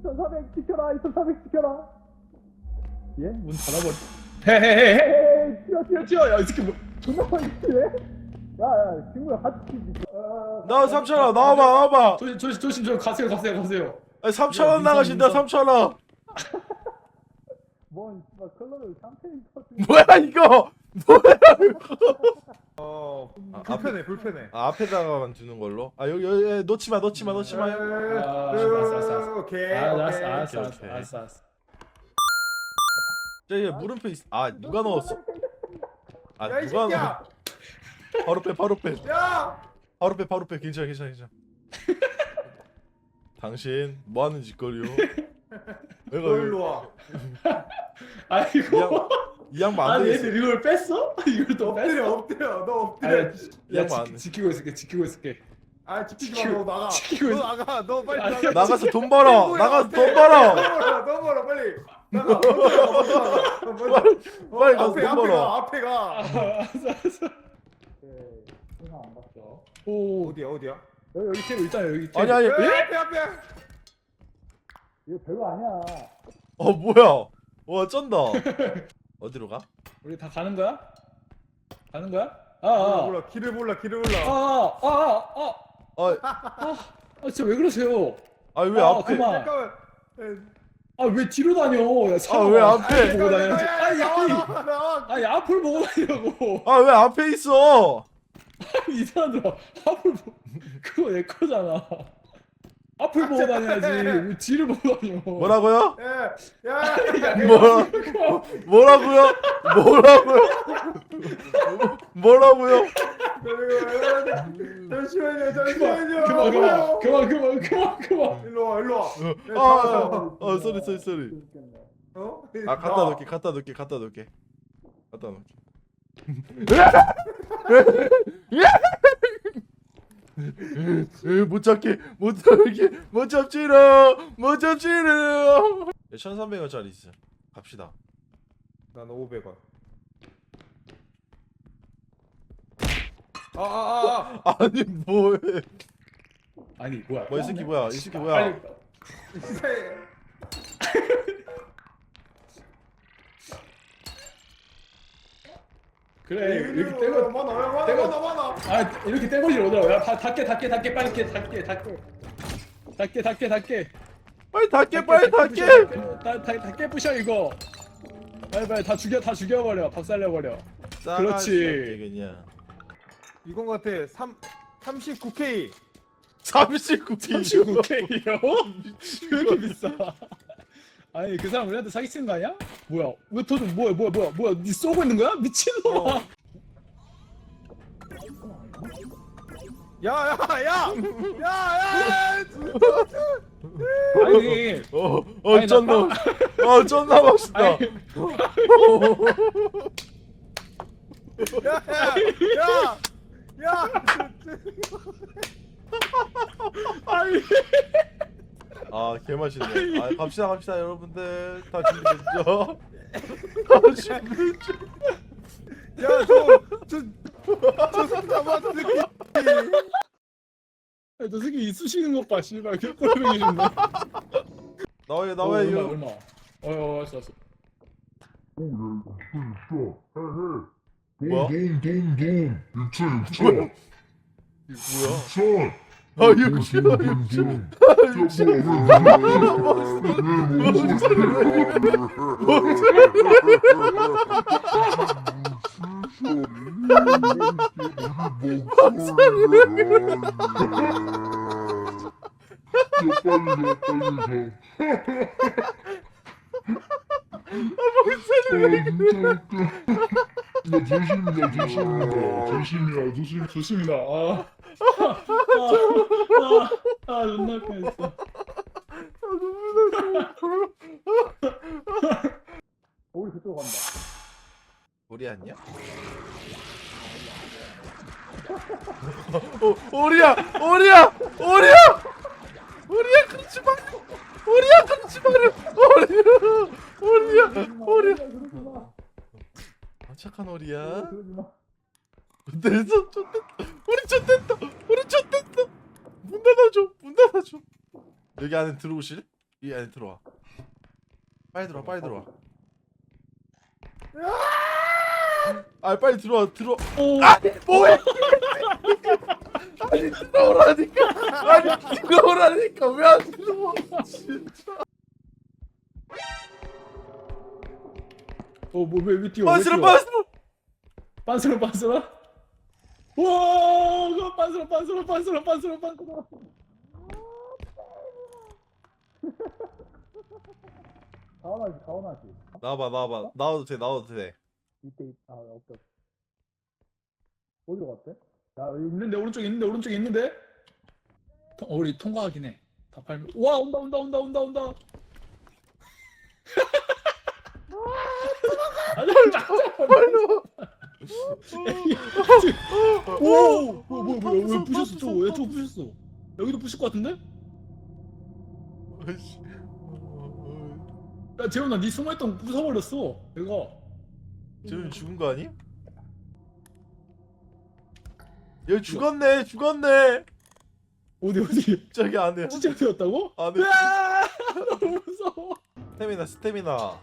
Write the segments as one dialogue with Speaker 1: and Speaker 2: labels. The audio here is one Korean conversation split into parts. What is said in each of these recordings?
Speaker 1: 2400 지켜라. 2400 지켜라. 예? 문 닫아버려. 헤헤헤헤. 뛰어. 야, 이 새끼 뭐 존나 빨리 뛰네. 야, 친구야 같이 뛰지.
Speaker 2: 나 3,000원 나와봐.
Speaker 3: 조심 좀 가세요.
Speaker 2: 3,000원 나가신다. 3,000원.
Speaker 1: 뭔 씨발 컬러를 샴페인 터지.
Speaker 2: 뭐야 이거?
Speaker 4: 불편해.
Speaker 2: 앞에다가만 두는 걸로. 여기 놓지 마.
Speaker 3: 알았어.
Speaker 4: 오케이.
Speaker 3: 알았어.
Speaker 2: 저기 물음표 있. 누가 넣었어?
Speaker 4: 야, 이
Speaker 2: 누가
Speaker 4: 새끼야.
Speaker 2: 바로 빼.
Speaker 4: 야.
Speaker 2: 바로 빼. 괜찮아. 당신 뭐 하는 짓거리요?
Speaker 4: 너
Speaker 2: 내가
Speaker 4: 일로 와.
Speaker 3: 아이고.
Speaker 2: 이 양반 안
Speaker 3: 아니
Speaker 2: 되겠어.
Speaker 3: 얘들 이걸 뺐어? 이걸 또 뺐어?
Speaker 4: 엎드려. 너 엎드려.
Speaker 3: 아니,
Speaker 2: 이
Speaker 3: 야
Speaker 2: 양반 안 돼.
Speaker 3: 지키고 있을게.
Speaker 4: 아, 지키지 마. 너 나가.
Speaker 3: 지키고
Speaker 4: 너
Speaker 3: 있어.
Speaker 4: 나가. 너 빨리
Speaker 3: 아니,
Speaker 4: 나가.
Speaker 2: 나가서 돈 벌어.
Speaker 4: 뭐야,
Speaker 2: 나가서
Speaker 4: 어때?
Speaker 2: 돈 벌어.
Speaker 4: 너 벌어 빨리. 나가. 먼저 나가.
Speaker 2: 빨리 가서 돈 벌어.
Speaker 4: 앞에 가.
Speaker 3: 알았어.
Speaker 1: 생각 안 봤어.
Speaker 3: 오.
Speaker 4: 어디야?
Speaker 3: 여기 테이블 있잖아요. 여기 테이블.
Speaker 2: 아니.
Speaker 4: 앞에.
Speaker 1: 이거 별거 아니야.
Speaker 2: 뭐야? 와 쩐다. 어디로 가?
Speaker 3: 우리 다 가는 거야?
Speaker 4: 길을 몰라.
Speaker 3: 진짜 왜 그러세요?
Speaker 2: 왜 앞에?
Speaker 3: 그만.
Speaker 4: 잠깐만.
Speaker 3: 왜 뒤로 다녀? 야,
Speaker 2: 왜 앞에?
Speaker 3: 보고 다녀야지.
Speaker 4: 나와.
Speaker 3: 아니 앞을 보고 다니라고.
Speaker 2: 왜 앞에 있어?
Speaker 3: 이 사람들아 앞을 그거 내 거잖아. 앞을 보고 다녀야지. 왜 뒤를 보고 다녀?
Speaker 2: 뭐라고요?
Speaker 4: 야.
Speaker 2: 뭐라고요?
Speaker 4: 잠시만요.
Speaker 3: 그만.
Speaker 4: 일로 와.
Speaker 2: 쏘리.
Speaker 4: 어?
Speaker 2: 갖다 놓을게. 못 잡지롱. 1,300원짜리 있어. 갑시다.
Speaker 4: 난 500원.
Speaker 2: 아니 뭐해?
Speaker 3: 아니 뭐야?
Speaker 2: 이 새끼 뭐야?
Speaker 3: 빨리. 그래 이렇게 떼고
Speaker 4: 많아.
Speaker 3: 이렇게 떼고지 오더라고. 야 닫게 빨리 닫게.
Speaker 2: 빨리 닫게.
Speaker 3: 닫게 부셔 이거. 빨리 다 죽여버려. 박살내버려. 그렇지.
Speaker 2: 그냥
Speaker 4: 이건 같아. 39K.
Speaker 3: 39K요? 왜 이렇게 비싸? 아니 그 사람 우리한테 사기치는 거 아니야? 뭐야? 왜 도둑 뭐야? 니 쏘고 있는 거야? 미친놈아!
Speaker 4: 야.
Speaker 3: 아니 아니,
Speaker 2: 쩐다. 쩐다 맛있다.
Speaker 4: 야.
Speaker 3: 아니
Speaker 2: 개맛있네. 갑시다 여러분들. 다 준비됐죠?
Speaker 4: 야, 저 새끼 잡았어.
Speaker 3: 저 새끼 이 쑤시는 것 봐. 씨발 개꼴보기 싫네.
Speaker 2: 나와요.
Speaker 3: 얼마? 알았어.
Speaker 2: 뭐야?
Speaker 5: 육천.
Speaker 2: 뭐야?
Speaker 5: 육천.
Speaker 3: 조심이다. 존나 뻔했어.
Speaker 1: 우리 그쪽으로 간다.
Speaker 2: 우리 아니야? 오리야! 그러지 마요! 오리야! 착한 오리야. 내서 우리 쫓됐다. 문 닫아줘. 여기 안에 들어오실? 이 안에 들어와. 빨리 들어와, 빨리 들어와. 아, 빨리 들어와, 들어.
Speaker 3: 오.
Speaker 2: 아니, 뭐해? 아니, 들어오라니까. 아니, 들어오라니까. 왜 안 들어와? 진짜.
Speaker 3: 뭐왜 뛰어? 왜
Speaker 2: 빠스러,
Speaker 3: 뛰어?
Speaker 2: 빠스러.
Speaker 3: 빤스러 빤스러? 와, 그거 빤스러.
Speaker 1: 가원하지.
Speaker 2: 나와봐. 나와도 돼, 나와도 돼.
Speaker 1: 이때 없다. 어디로 갔대?
Speaker 3: 야, 여기 있는데 오른쪽에 있는데. 우리 통과하긴 해. 다 팔면. 와, 온다. 오, 뭐야? 왜 부셨어? 저거 부셨어? 여기도 부실 것 같은데?
Speaker 2: 아이씨.
Speaker 3: 야, 재훈아, 네 숨어있던 거 부숴버렸어. 내가.
Speaker 2: 지금 죽은 거 아니? 얘 죽었네.
Speaker 3: 어디?
Speaker 2: 저기 안에.
Speaker 3: 진짜 되었다고?
Speaker 2: 안에.
Speaker 3: 으아! 너무 무서워.
Speaker 2: 스태미나.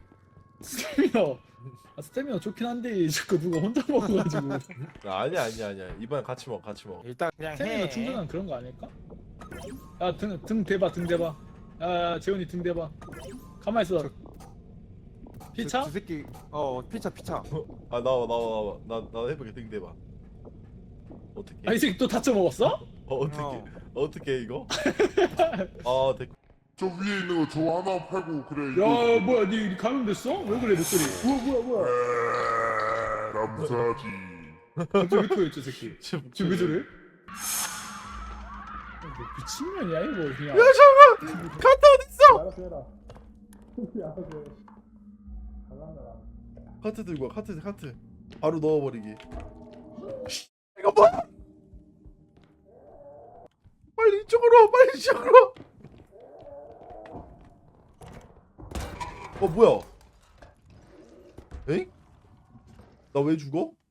Speaker 3: 스태미나 좋긴 한데 자꾸 누가 혼자 먹어가지고.
Speaker 2: 아니야. 이번엔 같이 먹어.
Speaker 4: 일단 그냥
Speaker 3: 스태미나
Speaker 4: 해.
Speaker 3: 충전한 그런 거 아닐까? 야, 등 대봐. 야, 재훈이 등 대봐. 가만 있어. 피차?
Speaker 4: 저 새끼 피차.
Speaker 2: 아, 나와. 나 해볼게. 등 대봐. 어떻게?
Speaker 3: 아, 이 새끼 또 다쳐 먹었어?
Speaker 2: 어떻게 이거? 아, 됐고.
Speaker 5: 저 위에 있는 거 저 하나 팔고 그래.
Speaker 3: 야, 뭐야, 니 감염됐어? 왜 그래, 목소리?
Speaker 1: 뭐야?
Speaker 5: 남사지.
Speaker 3: 갑자기 왜 토해, 저 새끼?
Speaker 2: 지금
Speaker 3: 지금 왜 저래? 뭐 미친년이야, 이거 그냥.
Speaker 2: 카트 어딨어?
Speaker 1: 알아서 해라. 알아서 해. 갈란다.
Speaker 2: 카트 들고 와. 카트. 바로 넣어버리기. 이거 뭐야? 빨리 이쪽으로. 뭐야? 에잉? 나 왜 죽어?